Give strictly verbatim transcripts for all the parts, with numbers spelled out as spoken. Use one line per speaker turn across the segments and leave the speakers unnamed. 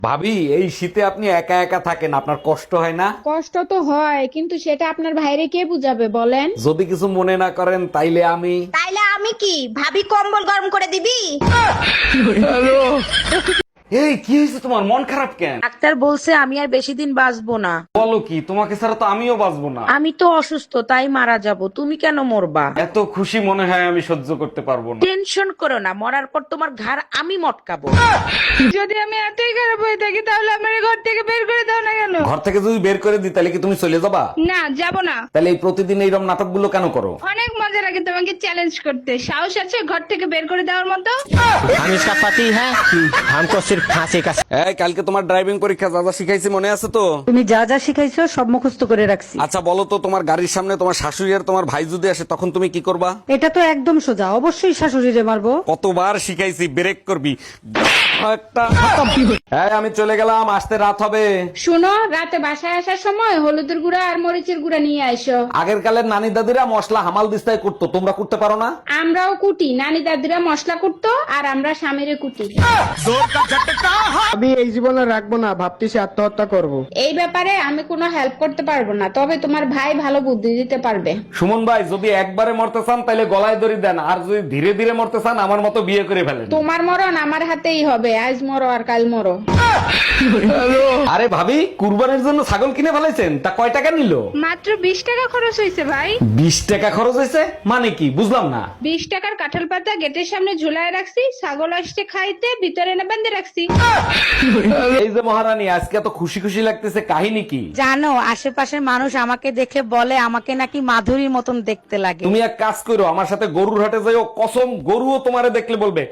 ভাবি এই শীতে আপনি একা একা থাকেন, আপনার কষ্ট হয় না?
কষ্ট তো হয়, কিন্তু সেটা আপনার ভাইরে কে বুঝাবে বলেন?
যদি কিছু মনে না করেন তাইলে আমি
তাইলে আমি কি ভাবি কম্বল গরম করে দিবি?
এই কি হয়েছে তোমার, মন খারাপ কেন?
ডাক্তার বলছে আমি আর বেশি দিন বাঁচবো না।
বলো কি, তোমাকে ছাড়া তো আমিও বাঁচবো না।
আমি তো অসুস্থ, তাই মারা যাব, তুমি কেন মরবা?
এত খুশি মনে হয় আমি সহ্য করতে পারবো না।
টেনশন করো না, মরার পর তোমার ঘাড় আমি মটকাবো।
যদি আমি এতই খারাপ হয়ে থাকি তাহলে আমার ঘর থেকে বের করে দাও না কেন?
ঘর থেকে যদি বের করে দিই তাহলে কি তুমি চলে যাবা?
না, যাব না।
তাহলে এই প্রতিদিন এইরকম নাটকগুলো কেন করো?
অনেক মজা লাগে তোমাকে চ্যালেঞ্জ করতে। সাহস আছে ঘর থেকে বের করে দেওয়ার মতো?
हम इसका पति है, हमको सिर्फ फांसी का।
এই কালকে তোমার ড্রাইভিং পরীক্ষা যা যা শিখাইছি মনে আছে তো?
তুমি যা যা শিখাইছো সব মুখস্থ করে রাখছি।
আচ্ছা বলো তো, তোমার গাড়ির সামনে তোমার শাশুড়ি আর তোমার ভাই যদি আসে তখন তুমি কি করবা?
এটা তো একদম সোজা, অবশ্যই শাশুড়িরে মারবো।
কতবার শিখাইছি, ব্রেক করবি একটা। হ্যাঁ আমি চলে গেলাম, আসতে রাত হবে।
শুনো, রাতে বাসায় আসার সময় হলুদের গুঁড়া আর মরিচের গুঁড়া নিয়ে আইসো।
আগের কালের নানি দাদিরা মশলা হামাল দিস্তায় করতো, তোমরা করতে পারো না?
আমরাও কুটি, নানি দাদিরা মশলা কুটতো আর আমরা স্বামীরে কুটি।
আমি এই জীবনে রাখবো না, ভাবতেছি আত্মহত্যা করব।
এই ব্যাপারে আমি কোনো হেল্প করতে পারবো না, তবে তোমার ভাই ভালো বুদ্ধি দিতে পারবে।
সুমন ভাই, যদি একবারে মরতে চান তাহলে গলায় দড়ি দেন, আর যদি ধীরে ধীরে মরতে চান আমার মতো বিয়ে করে ফেলেন।
তোমার মরণ আমার হাতেই হবে, আজ মরো আর কাল মরো।
আরে ভাবি, কুরবানির জন্য ছাগল কিনে ফেলাইছেন, তা কয় টাকা নিল?
মাত্র বিশ টাকা খরচ হয়েছে ভাই।
বিশ টাকা খরচ হয়েছে মানে কি, বুঝলাম না।
বিশ টাকার কাঁঠাল পাতা গেটের সামনে ঝুলায় রাখছি, ছাগল আসছে খাইতে, ভিতরে এনে বেঁধে রাখছি।
এই যে মহারানী, আজকে এত খুশি খুশি লাগতেছে, কাহিনী কি?
জানো, আশেপাশের মানুষ আমাকে দেখে বলে আমাকে নাকি মাধুরীর মতন দেখতে লাগে।
তুমি এক কাজ করো, আমার সাথে গরুর হাটে যাইও, কসম গরুও তোমারে দেখলে বলবে।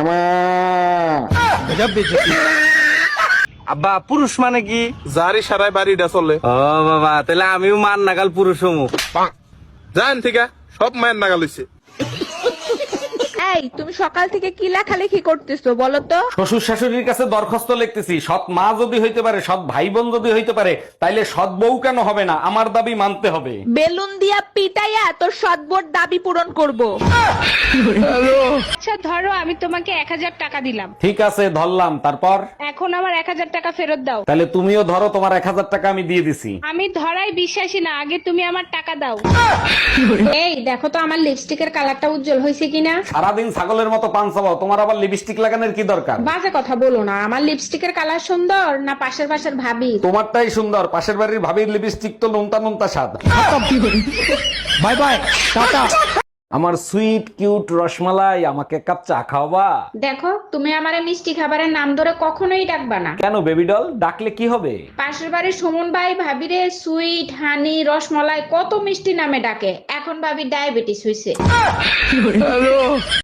আব্বা, পুরুষ মানে কি? যারই সারাই বাড়িটা চলে।
ও বাবা, তাহলে আমিও মান নাগাল পুরুষ হমু।
জান ঠিক সব মায়ের নাগাল হইছে।
এই, তুমি সকাল থেকে কি লেখালেখি করতেছো বলো তো?
শ্বশুর শাশুড়ির কাছে দরখাস্ত লিখতেছি, সৎ মা যদি হইতে পারে, সৎ ভাই বোন যদি হইতে পারে, তাইলে সৎ বউ কেন হবে না? আমার দাবি মানতে হবে।
বেলুন দিয়া পিটাইয়া তোর সদবোর দাবি পূরণ করব।
আচ্ছা ধরো, আমি তোমাকে এক হাজার টাকা দিলাম,
ঠিক আছে ধরলাম, তারপর?
এখন আমার এক হাজার টাকা ফেরত দাও।
তাহলে তুমিও ধরো, তোমার এক হাজার টাকা আমি দিয়ে দিছি।
আমি ধরাই বিশ্বাসী না, আগে তুমি আমার টাকা দাও। এই দেখো তো আমার লিপস্টিকের কালারটা উজ্জ্বল হয়েছে কিনা।
সারাদিন ছাগলের মতো পান চাবাও, তোমার আবার লিপস্টিক লাগানোর কি দরকার?
বাজে কথা বলো না, আমার লিপস্টিকের কালার সুন্দর না পাশের পাশের ভাবি?
তোমারটাই সুন্দর, পাশের বাড়ির ভাবির লিপস্টিক তো নুনতা নুনতা স্বাদ।
Bye bye tata.
আমার সুইট কিউট রসমালাই, আমাকে এক কাপ চা খাওয়াবা?
দেখো, তুমি আমার মিষ্টি খাবারের নাম ধরে কখনোই ডাকবা না।
কেন বেবি ডল, ডাকলে কি হবে?
পাশের বাড়ির সুমন ভাই ভাবিরে সুইট, হানি, রসমালাই কত মিষ্টি নামে ডাকে, এখন ভাবি ডায়াবেটিস হইছে।